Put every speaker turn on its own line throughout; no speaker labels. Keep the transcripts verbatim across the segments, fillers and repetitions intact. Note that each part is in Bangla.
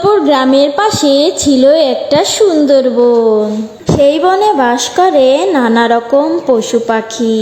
শীতলপুর গ্রামের পাশে ছিল একটা সুন্দর বন। সেই বনে বাস করে নানা রকম পশু পাখি।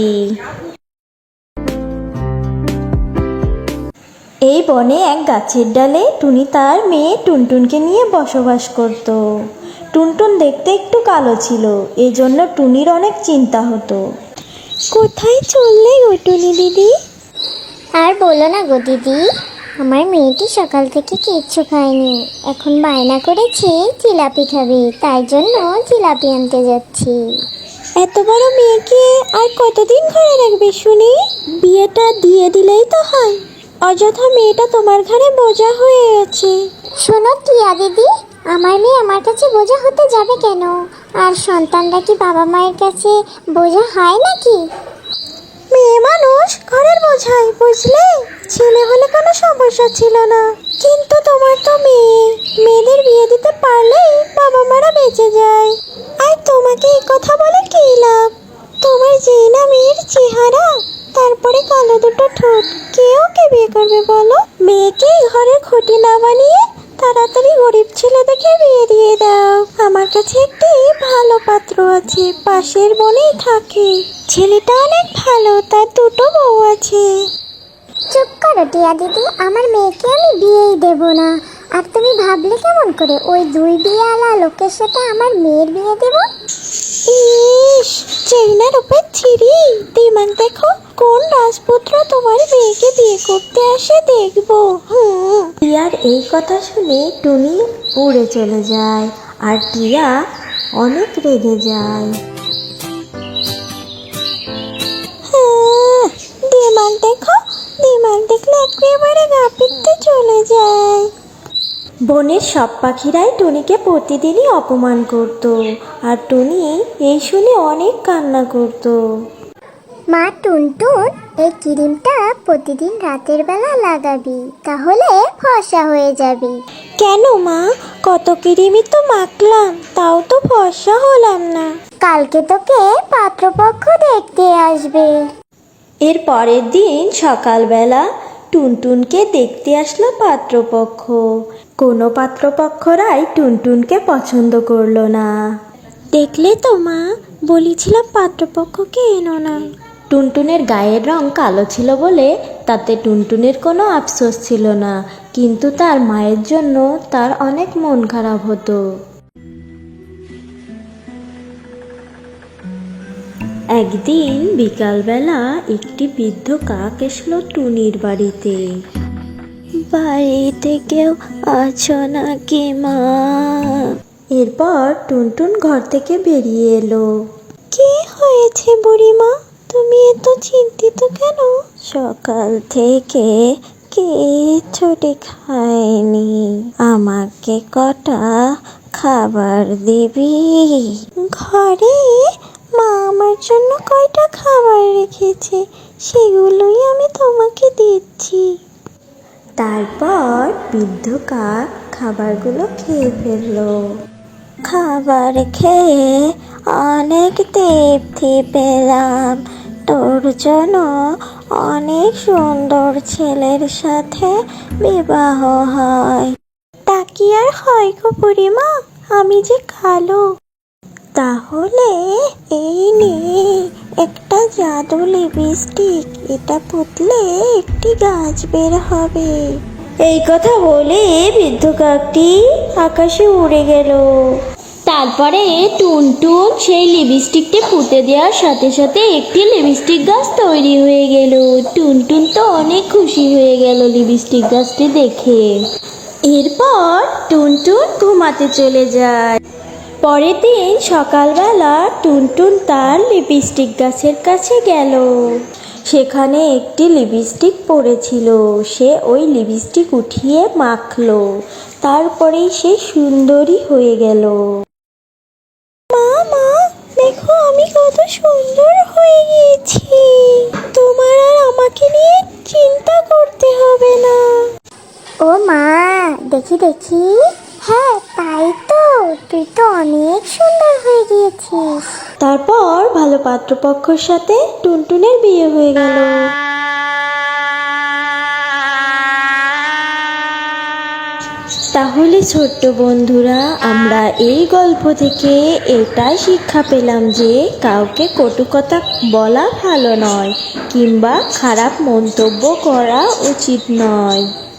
এই বনে এক গাছের ডালে টুনি তার মেয়ে টুনটুনকে নিয়ে বসবাস করত। টুনটুন দেখতে একটু কালো ছিল, এজন্য টুনির অনেক চিন্তা হতো। কোথায় চললে গো টুনি দিদি?
আর বলো না গো দিদি, আমার মেয়েটি সকাল থেকে কিচ্ছু খায়নি, এখন বায়না করেছে জিলাপি খাবে, তাই জন্য জিলাপি আনতে যাচ্ছি।
এত বড় মেয়েকে আর কতদিন ঘরে রাখবে শুনি? বিয়েটা দিয়ে দিলেই তো হয়, অযথা মেয়েটা তোমার ঘরে বোঝা হয়ে আছে।
শোনো টিয়া দিদি, আমার মেয়ে আমার কাছে বোঝা হতে যাবে কেন? আর সন্তানরা কি বাবা মায়ের কাছে বোঝা হয় নাকি?
মেয়ে মানুষ ঘরের বোঝাই, বুঝলে? ছেলে হলে কোনো সমস্যা ছিল না, কিন্তু তোমার তো মেয়ে, মেয়েদের বিয়ে দিতে পারলেই বাবা মারা বেঁচে যায়। আর তোমাকে এই কথা বলে কি লাভ? তোমার যেই না মেয়ের চেহারা, তারপরে কালো দুটো ঠোঁট, কে ওকে বিয়ে করবে বলো? মেয়েকে ঘরের খুঁটি না বানিয়ে তাড়াতাড়ি গরিব ছেলে দেখে বিয়ে দিয়ে দাও। আমার কাছে একটি ভালো পাত্র আছে, পাশের বনেই থাকে। ছেলেটা অনেক ভালো, তার দুটো বউ আছে।
চুপ করো টিয়া দিদি, আমার মেয়েকে আমি বিয়েই দেব না। আর তুমি ভাবলে কেমন করে ওই দুই বিয়েওয়ালা লোকের সাথে আমার মেয়ের বিয়ে দেব?
ইস, চেইনার উপর ছিরি, দিমাগ দেখো, কোন রাজপুত্র তোমার মেয়েকে বিয়ে করতে আসে দেখবো। হুম। টিয়ার এই কথা শুনে টুনি উড়ে চলে যায়, আর টিয়া অনেক রেগে যায়। হ্যাঁ, দিমাগ দেখো, দিমাগ দেখলে একেবারে গা পিত্তে চলে যায়। বনের সব পাখিরাই টুনিকে প্রতিদিনই অপমান করত, আর টুনি এই শুনে অনেক কান্না করত।
মা টুনটুন, এই ক্রিমটা প্রতিদিন রাতের বেলা লাগাবি, তাহলে ফর্সা হয়ে যাবি।
কেন মা, কত কিরিমি তো মাখলাম, তাও তো ফর্সা হলাম না।
কালকে তোকে পাত্রপক্ষ দেখতে আসবে।
এর পরের দিন সকালবেলা টুনটুনকে দেখতে আসলো পাত্রপক্ষ। কোনো পাত্রপক্ষরাই টুনটুনকে পছন্দ করলো না। দেখলে তো মা, বলেছিলাম পাত্রপক্ষকে এনো না। টুনটুনের গায়ের রং কালো ছিল বলে তাতে টুনটুনের কোনো আফসোস ছিল না, কিন্তু তার মায়ের জন্য তার অনেক মন খারাপ হতো। একদিন বিকালবেলা একটি বৃদ্ধ কাক এসলো টুনির বাড়িতে। বাড়িতে কেউ আছো নাকি মা? এরপর টুনটুন ঘর থেকে বেরিয়ে এলো। কি হয়েছে বুড়িমা, তুমি এত চিন্তিত কেন? সকাল থেকে কিচ্ছুটি খাইনি, আমাকে কটা খাবার দিবি? ঘরে মা আমার জন্য কয়টা খাবার রেখেছে, সেগুলোই আমি তোমাকে দিচ্ছি। তারপর বৃদ্ধ কাক খাবারগুলো খেয়ে ফেললো। খাবার খেয়ে অনেক তৃপ্তি পেলাম, তোর জন্য অনেক সুন্দর ছেলের সাথে বিবাহ হয়। তা কি আর হয় গো বুড়িমা, আমি যে কালো। তাহলে এই নে একটা জাদু লিপস্টিক, এটা পুতলে একটি গাছ বের হবে। এই কথা বলে বৃদ্ধ কাকটি আকাশে উড়ে গেল। তারপরে টুনটুন সেই লিপস্টিকটি পুঁতে দেওয়ার সাথে সাথে একটি লিপস্টিক গাছ তৈরি হয়ে গেল। টুনটুন তো অনেক খুশি হয়ে গেল লিপস্টিক গাছটি দেখে। এরপর টুনটুন ঘুমাতে চলে যায়। পরের দিন সকালবেলা টুনটুন তার লিপস্টিক গাছের কাছে গেল। সেখানে একটি লিপস্টিক পড়েছিল, সে ওই লিপস্টিক উঠিয়ে মাখলো, তারপরেই সে সুন্দরী হয়ে গেল। মা মা, দেখো আমি কত সুন্দর হয়ে গেছি, তোমার আর আমাকে নিয়ে চিন্তা করতে হবে না।
ও মা, দেখি দেখি, হ্যাঁ তাই তো, তুই তো অনেক সুন্দর হয়ে গিয়েছিস।
তারপর ভালো পাত্রপক্ষের সাথে টুনটুনের বিয়ে হয়ে গেল। তাহলে ছোট্ট বন্ধুরা, আমরা এই গল্প থেকে এটাই শিক্ষা পেলাম যে কাউকে কটু কথা বলা ভালো নয়, কিংবা খারাপ মন্তব্য করা উচিত নয়।